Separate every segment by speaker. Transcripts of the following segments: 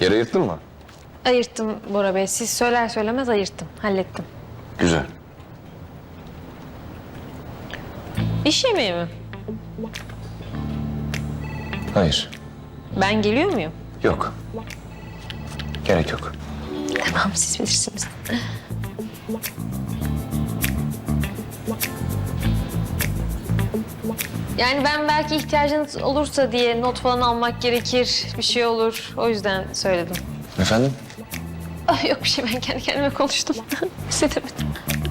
Speaker 1: Yer ayırttın mı?
Speaker 2: Ayırttım Bora Bey. Siz söyler söylemez ayırttım. Hallettim.
Speaker 1: Güzel.
Speaker 2: İş yemeği mi?
Speaker 1: Hayır.
Speaker 2: Ben geliyor muyum?
Speaker 1: Yok. Gerek yok.
Speaker 2: Tamam, siz bilirsiniz. Yani ben belki ihtiyacınız olursa diye not falan almak gerekir. Bir şey olur. O yüzden söyledim.
Speaker 1: Efendim?
Speaker 2: Ah, yok bir şey, ben kendi kendime konuştum. Hissedemedim.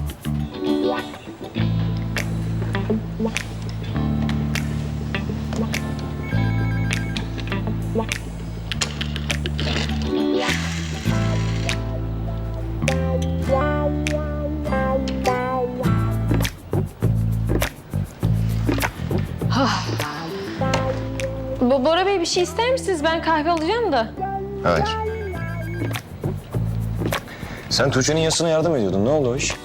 Speaker 2: Bora Bey bir şey ister misiniz? Ben kahve alacağım da.
Speaker 1: Hayır. Sen Tuğçe'nin yasına yardım ediyordun. Ne oldu o iş?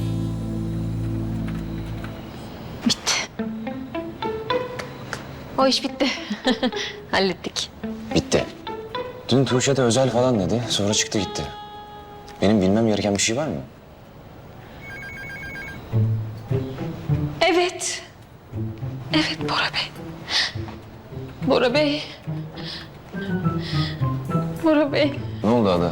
Speaker 2: Bitti. O iş bitti. Hallettik.
Speaker 1: Bitti. Dün Tuğçe de özel falan dedi. Sonra çıktı gitti. Benim bilmem gereken bir şey var mı?
Speaker 2: Evet. Evet Bora Bey. Bora Bey. Bora Bey.
Speaker 1: Ne oldu Ada?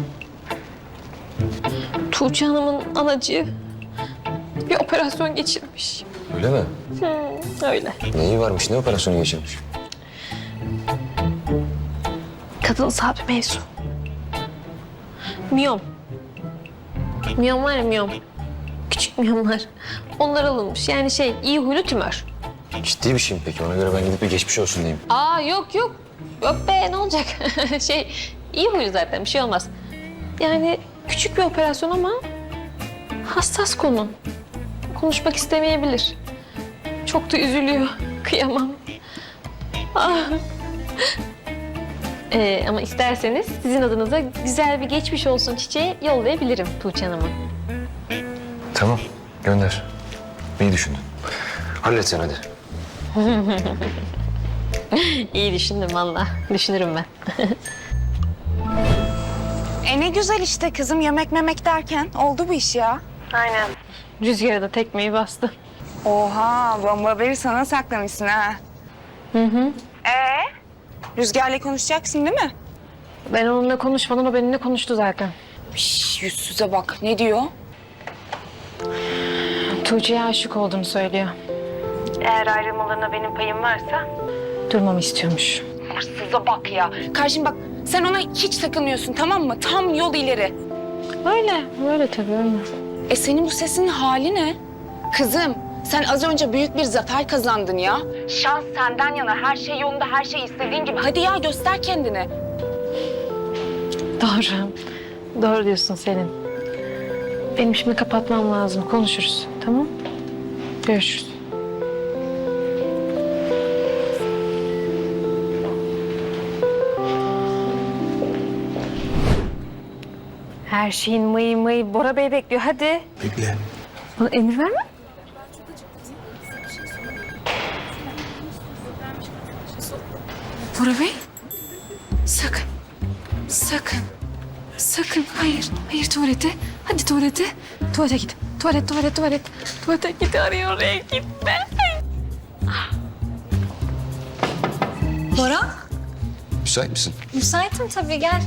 Speaker 2: Tuğçe Hanım'ın anacığı bir operasyon geçirmiş.
Speaker 1: Öyle mi?
Speaker 2: Öyle.
Speaker 1: Neyi varmış? Ne operasyonu geçirmiş?
Speaker 2: Kadınsal bir mevzu. Miyom. Miyom var ya, miyom. Küçük miyomlar. Onlar alınmış. Yani iyi huylu tümör.
Speaker 1: Ciddi bir şey mi peki? Ona göre ben gidip bir geçmiş olsun diyeyim.
Speaker 2: Aa yok yok. Yok be, ne olacak? iyi huylu zaten, bir şey olmaz. Yani küçük bir operasyon ama hassas konu. Konuşmak istemeyebilir. Çok da üzülüyor. Kıyamam. Ah. Ama isterseniz sizin adınıza güzel bir geçmiş olsun çiçeği yollayabilirim Tuğçe Hanım'a.
Speaker 1: Tamam. Gönder. İyi düşündün. Hallet sen hadi.
Speaker 2: İyi düşündüm valla. Düşünürüm ben.
Speaker 3: Ne güzel işte kızım, yemek memek derken oldu bu iş ya.
Speaker 2: Aynen. Rüzgara da tekmeyi bastı.
Speaker 3: Oha, bomba haberi sana saklamışsın ha.
Speaker 2: Hı.
Speaker 3: Rüzgar'la konuşacaksın değil mi?
Speaker 2: Ben onunla konuşmadan o benimle konuştu zaten.
Speaker 3: Yüzsüze bak, ne diyor?
Speaker 2: Tuğçe'ye aşık olduğunu söylüyor. Eğer ayrılmalarına benim payım varsa durmamı istiyormuş.
Speaker 3: Hırsıza bak ya. Karşım bak, sen ona hiç takılmıyorsun, tamam mı? Tam yol ileri.
Speaker 2: Öyle tabii öyle.
Speaker 3: Senin bu sesin hali ne? Kızım, sen az önce büyük bir zafer kazandın ya. Şans senden yana, her şey yolunda, her şey istediğin gibi. Hadi ya, göster kendini.
Speaker 2: Doğru. Doğru diyorsun Selin. Benim şimdi kapatmam lazım. Konuşuruz. Tamam? Görüşürüz. Her şeyin mıyı Bora Bey bekliyor. Hadi.
Speaker 1: Bekle.
Speaker 2: Bana emir verme. Bora Bey. Sakın. Sakın. Sakın. Hayır tuvalete. Hadi tuvalete. Tuvalete git. Tuvalet. Tuvalete git, arıyor oraya gitme.
Speaker 4: Bora,
Speaker 1: Müsait misin?
Speaker 4: müsaitim tabii, gel.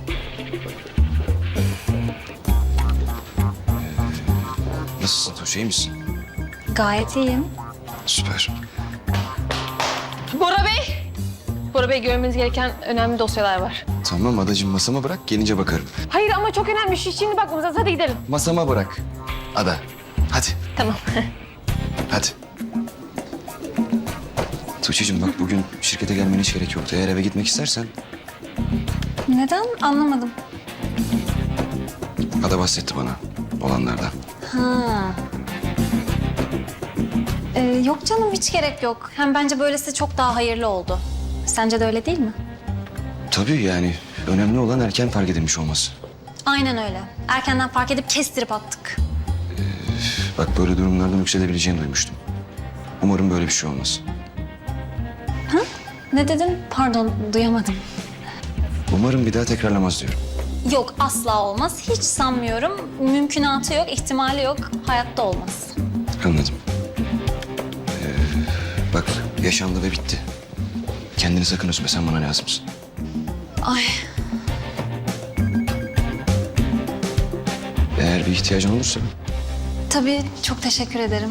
Speaker 1: Nasılsın Tuğçe? İyi misin?
Speaker 4: Gayet iyiyim.
Speaker 1: Süper.
Speaker 2: Bora Bey. Bora Bey, görmeniz gereken önemli dosyalar var.
Speaker 1: Tamam Adacığım, masama bırak. Gelince bakarım.
Speaker 2: Hayır ama çok önemli. Şimdi bakmamız lazım. Hadi gidelim.
Speaker 1: Masama bırak. Ada. Hadi.
Speaker 2: Tamam.
Speaker 1: Hadi. Tuğçe'cim bak, bugün şirkete gelmene hiç gerek yoktu. Eğer eve gitmek istersen
Speaker 4: Neden? Anlamadım.
Speaker 1: Ada bahsetti bana olanlardan.
Speaker 4: Ha. Yok canım, hiç gerek yok. Hem bence böylesi çok daha hayırlı oldu. Sence de öyle değil mi?
Speaker 1: Tabii yani önemli olan erken fark edilmiş olması.
Speaker 4: Aynen öyle. Erkenden fark edip kestirip attık.
Speaker 1: Bak, böyle durumlardan yükselebileceğini duymuştum. Umarım böyle bir şey olmaz.
Speaker 4: Ne dedin? Pardon, duyamadım.
Speaker 1: Umarım bir daha tekrarlamaz diyorum.
Speaker 4: Yok, asla olmaz. Hiç sanmıyorum. Mümkünatı yok, ihtimali yok. Hayatta olmaz.
Speaker 1: Anladım. Bak yaşandı ve bitti. Kendini sakın üzme, sen bana lazımsın.
Speaker 4: Ay,
Speaker 1: Eğer bir ihtiyacın olursa
Speaker 4: tabii çok teşekkür ederim.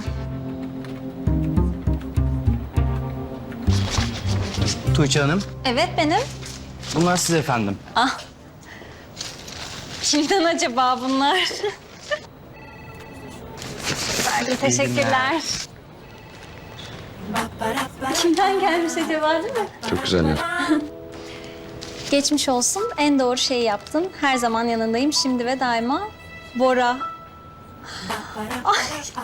Speaker 5: Tuğçe Hanım,
Speaker 4: Evet, benim.
Speaker 5: bunlar size efendim.
Speaker 4: Ah. Kimden acaba bunlar? Teşekkürler. Kimden gelmiş acaba, değil mi?
Speaker 1: çok güzel ya.
Speaker 4: Geçmiş olsun. En doğru şeyi yaptın. Her zaman yanındayım. Şimdi ve daima. Bora. Ay.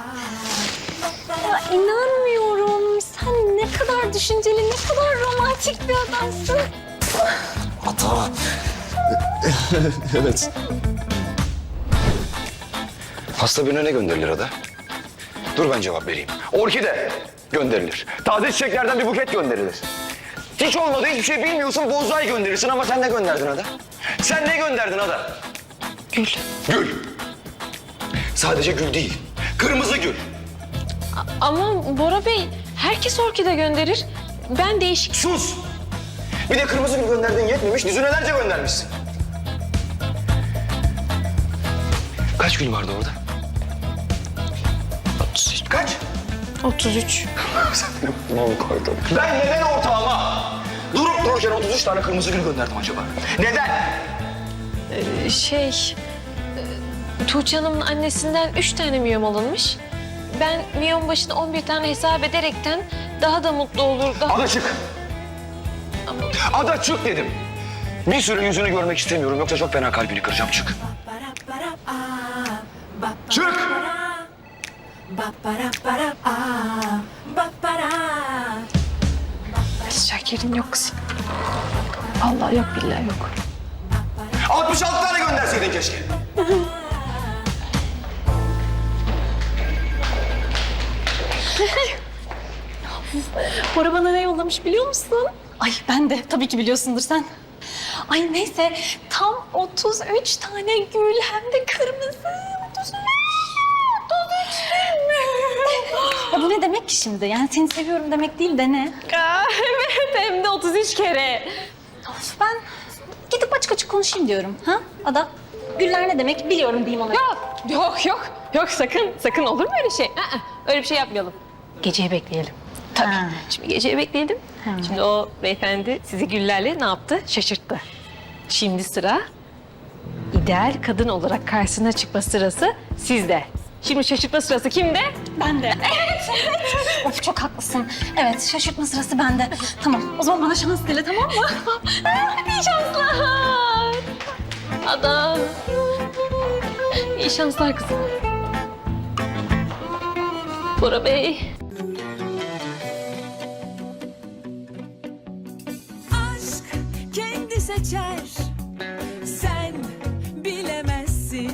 Speaker 4: Ya inanmıyorum. Sen ne kadar düşünceli, ne kadar romantik bir adamsın.
Speaker 1: Ata. Evet. Hasta birine ne gönderilir Ada? Dur ben cevap vereyim.
Speaker 6: Orkide gönderilir. Taze çiçeklerden bir buket gönderilir. Hiç olmadı, hiçbir şey bilmiyorsun, bonsai gönderirsin ama sen ne gönderdin Ada? Sen ne gönderdin Ada?
Speaker 2: Gül.
Speaker 6: Gül. Sadece gül değil, kırmızı gül.
Speaker 2: Ama Bora Bey, herkes orkide gönderir. Ben değişik...
Speaker 6: Sus! Bir de kırmızı gül gönderdiğin yetmemiş, düzinelerce göndermişsin.
Speaker 1: Kaç gül vardı orada?
Speaker 6: Kaç?
Speaker 2: 33.
Speaker 6: Ben neden ortağıma durup dururken 33 tane kırmızı gül gönderdim acaba? Neden?
Speaker 2: Tuğçe Hanım'ın annesinden 3 tane miyom alınmış. Ben miyom başına 11 tane hesap ederekten daha da mutlu olur.
Speaker 6: Ada çık. Ada çık dedim. Bir süre yüzünü görmek istemiyorum yoksa çok fena kalbini kıracağım. Çık. Çık.
Speaker 2: Şakir'in yok kızım. Allah yok, billahi yok.
Speaker 6: 66 tane gönderseydin keşke.
Speaker 4: Bora bana ne yollamış biliyor musun? Ay ben de. Tabii ki biliyorsundur sen. Ay neyse. Tam 33 tane gül hem de kırmızı. 33. 33 Ya bu ne demek ki şimdi? Yani seni seviyorum demek değil de ne?
Speaker 2: Evet, hem de 33 kere.
Speaker 4: Of, ben gidip açık açık konuşayım diyorum. Ha Ada? Güller ne demek biliyorum diyeyim ona.
Speaker 2: Yok sakın olur mu öyle şey? Öyle bir şey yapmayalım. Geceyi bekleyelim. Tabii.
Speaker 4: Ha.
Speaker 2: Şimdi geceyi bekleyelim. Şimdi o beyefendi sizi güllerle ne yaptı? Şaşırttı. Şimdi sıra ideal kadın olarak karşısına çıkma sırası sizde. Şimdi şaşırtma sırası kimde?
Speaker 4: Ben de. Evet. Of çok haklısın. Evet şaşırtma sırası bende. Tamam o zaman bana şans dile tamam mı?
Speaker 2: Hadi iyi şanslar. Adam. İyi şanslar kızım. Bora Bey.
Speaker 7: aşk kendi seçer